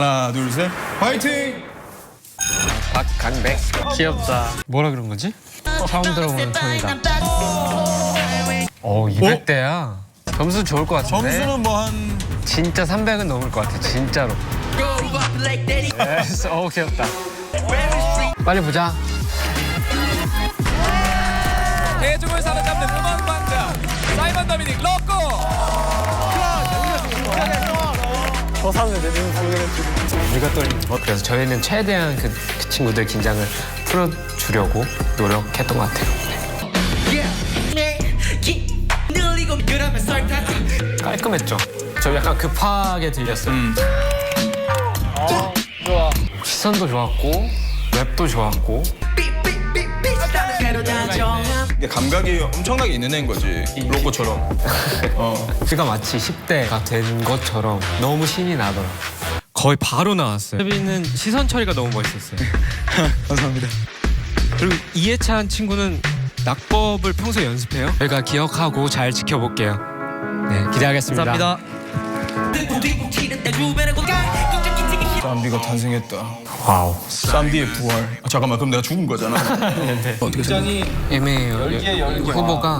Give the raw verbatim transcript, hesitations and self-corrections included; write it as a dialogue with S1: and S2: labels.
S1: 하나, 둘, 셋, 화이팅!
S2: 박강백 귀엽다. 뭐라 그런 거지? 처음 들어보는 톤이다. 어 이백 대야. 점수 좋을 것 같은데.
S1: 점수는 뭐 한...
S2: 진짜 삼백은 넘을 것 같아. 진짜로. 예스. 어 귀엽다. 빨리 보자.
S3: 대중을 사로잡는 음악 왕자 사이먼 더미닉 로꼬.
S2: 우리가 떨린. 그래서 저희는 최대한 그, 그 친구들 긴장을 풀어주려고 노력했던 것 같아요. 네. 깔끔했죠. 저 약간 급하게 들렸어요.
S1: 음.
S2: 어, 좋아. 시선도 좋았고 랩도 좋았고.
S1: 이게 감각이 엄청나게 있는 애인 거지, 로꼬처럼. 어.
S2: 그가 마치 십 대가 된 것처럼 너무 신이 나더라. 거의 바로 나왔어요. 혜빈은 시선 처리가 너무 멋있었어요.
S1: 감사합니다.
S2: 그리고 이해찬 친구는 낙법을 평소에 연습해요? 저희가 기억하고 잘 지켜볼게요. 네, 기대하겠습니다. 감사합니다.
S1: 쌈디가 탄생했다.
S2: 와우.
S1: 쌈디의 부활. 아, 잠깐만, 그럼 내가 죽은 거잖아.
S2: 네.
S1: 어떻게 생각해?
S2: 애매해요. 후보가